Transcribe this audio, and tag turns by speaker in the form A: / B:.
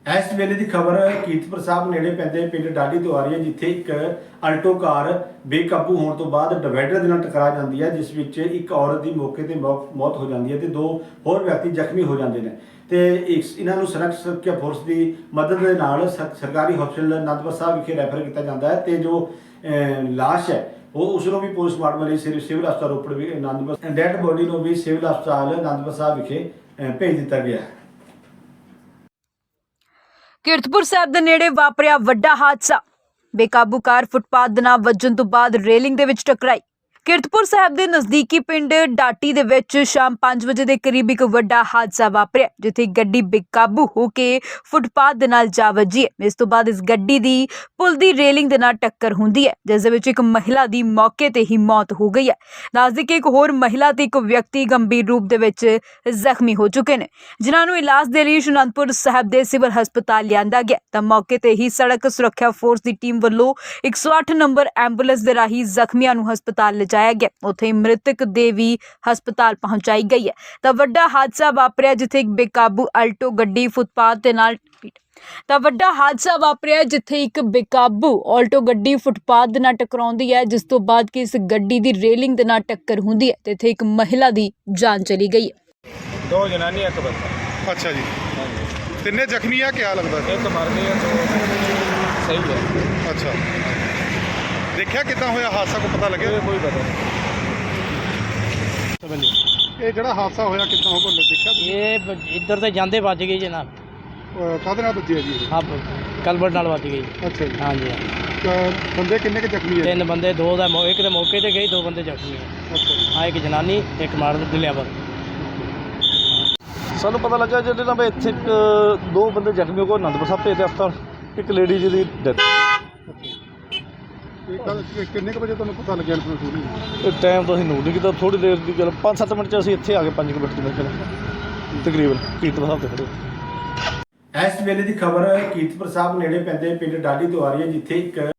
A: इस वेले की खबर कीरतपुर साहब नेड़े पैंदे पिंड डाडी तो आ रही है, जिथे एक अल्टो कार बेकाबू होने तो बाद डिवाइडर दे नाल टकरा जाती है, जिस विच एक औरत की मौके पर मौत हो जाती है, दो होर व्यक्ति जख्मी हो जाते हैं। तो इन्हों सड़क सुरक्षा फोर्स की मदद के नाल सरकारी हॉस्पिटल आनंदपुर साहब विखे रैफर किया जाता है। तो जो लाश है वो उसनों भी पोस्टमार्टम लिए सिविल हस्पताल रोपड़ भी आनंदपुर डैड बॉडी को भी सिविल हस्पताल आनंदपुर साहब विखे भेज दिता गया है।
B: कीरतपुर साहब ਦੇ ਨੇੜੇ ਵਾਪਰਿਆ ਵੱਡਾ ਹਾਦਸਾ। ਬੇਕਾਬੂ ਕਾਰ ਫੁੱਟਪਾਥ ਦੇ ਨਾਲ ਵੱਜਣ ਤੋਂ ਬਾਅਦ ਰੇਲਿੰਗ ਦੇ ਵਿੱਚ ਟਕਰਾਈ। कीरतपुर साहब ਦੇ ਨਜ਼ਦੀਕੀ ਪਿੰਡ ਡਾਟੀ ਦੇ ਵਿੱਚ ਸ਼ਾਮ 5 ਵਜੇ ਦੇ ਕਰੀਬ ਇੱਕ ਵੱਡਾ ਹਾਦਸਾ ਵਾਪਰਿਆ, ਜਿੱਥੇ ਗੱਡੀ ਬੇਕਾਬੂ ਹੋ ਕੇ ਫੁੱਟਪਾਥ ਦੇ ਨਾਲ ਜਾ ਵੱਜੀ ਹੈ। ਇਸ ਤੋਂ ਬਾਅਦ ਇਸ ਗੱਡੀ ਦੀ ਪੁਲ ਦੀ ਰੇਲਿੰਗ ਦੇ ਨਾਲ ਟੱਕਰ ਹੁੰਦੀ ਹੈ, ਜਿਸ ਦੇ ਵਿੱਚ ਇੱਕ ਮਹਿਲਾ ਦੀ ਮੌਕੇ ਤੇ ਹੀ ਮੌਤ ਹੋ ਗਈ ਹੈ। ਦੱਸਦੇ ਕਿ ਇੱਕ ਹੋਰ ਮਹਿਲਾ ਤੇ ਇੱਕ ਵਿਅਕਤੀ ਗੰਭੀਰ ਰੂਪ ਦੇ ਵਿੱਚ ਜ਼ਖਮੀ ਹੋ ਚੁੱਕੇ ਨੇ, ਜਿਨ੍ਹਾਂ ਨੂੰ ਇਲਾਜ ਦੇ ਲਈ ਅਨੰਦਪੁਰ ਸਾਹਿਬ ਦੇ ਸਿਵਲ ਹਸਪਤਾਲ ਲਿਆਂਦਾ ਗਿਆ। ਤਾਂ ਮੌਕੇ ਤੇ ਹੀ ਸੜਕ ਸੁਰੱਖਿਆ ਫੋਰਸ ਦੀ ਟੀਮ ਵੱਲੋਂ 108 ਨੰਬਰ ਐਂਬੂਲੈਂਸ ਦੇ ਰਾਹੀਂ ਜ਼ਖਮੀਆਂ ਨੂੰ ਹਸਪਤਾਲ ਲਿਜਾਇਆ ਗਿਆ। ਉੱਥੇ ਮ੍ਰਿਤਕ ਦੇ ਵੀ ਹਸਪਤਾਲ ਪਹੁੰਚਾਈ ਗਈ ਹੈ। ਤਾਂ ਵੱਡਾ ਹਾਦਸਾ ਵਾਪਰਿਆ, ਜਿੱਥੇ ਇੱਕ ਬੇਕਾਬੂ ਅਲਟੋ ਗੱਡੀ ਫੁੱਟਪਾਥ ਦੇ ਨਾਲ ਫੁੱਟਪਾਥ ਦੇ ਨਾਲ ਟਕਰਾਉਂਦੀ ਹੈ, ਜਿਸ ਤੋਂ ਬਾਅਦ ਕਿ ਇਸ ਗੱਡੀ ਦੀ ਰੇਲਿੰਗ ਦੇ ਨਾਲ ਟੱਕਰ ਹੁੰਦੀ ਹੈ ਤੇ ਇੱਥੇ ਇੱਕ ਮਹਿਲਾ ਦੀ ਜਾਨ ਚਲੀ ਗਈ ਹੈ।
C: दो जनानी एक बंदा।
D: अच्छा जी,
C: हाँ जी,
D: तिन्ने जख्मी है क्या लगता है?
C: एक मर गई है तो सही है।
D: अच्छा, देखा कितना होया हादसा को पता लगे?
C: ये कोई पता नहीं।
D: ये जड़ा हादसा होया कितना हो देखा?
E: ये इधर से जाते बच गई जनाब।
D: काहदे नाल बची है जी?
E: हाँ, कलबट नाल बच गई।
D: अच्छा जी,
E: हाँ जी,
D: बंदे किन्ने के जख्मी है?
E: 3 बंदे, एक तो मौके ते गई, 2 बंदे जख्मी है।
D: अच्छा जी,
E: हाँ, एक जनानी एक मार दिलिया पर।
F: ਸਾਨੂੰ ਪਤਾ ਲੱਗਾ ਜਿਹਦੇ ਨਾਲ ਇੱਥੇ ਦੋ ਬੰਦੇ ਜ਼ਖਮੀ ਹੋ ਗਏ, ਆਨੰਦਪੁਰ ਸਾਹਿਬ ਭੇਜਦੇ ਹਸਪਤਾਲ, ਇੱਕ ਲੇਡੀ ਜੀ ਦੀ ਡੈਥ।
D: किन्ने के बजे तुहानूं पता लग्या इन्फॉर्मेशन?
F: ਇਹ ਟਾਈਮ ਤਾਂ ਅਸੀਂ ਨੋਟ ਨਹੀਂ ਕੀਤਾ, ਥੋੜੀ ਦੇਰ ਦੀ ਗੱਲ 5-7 ਮਿੰਟ 'ਚ ਅਸੀਂ ਇੱਥੇ ਆ ਗਏ, 5 ਮਿੰਟ ਦੇ ਵਿੱਚ ਤਕਰੀਬਨ ਕੀਰਤਪੁਰ ਸਾਹਿਬ ਤੇ ਖੜੇ।
A: इस वेले की खबर कीरतपुर साहब नेड़े पैंदे पिंड डाडी तो आ रही है, जिथे एक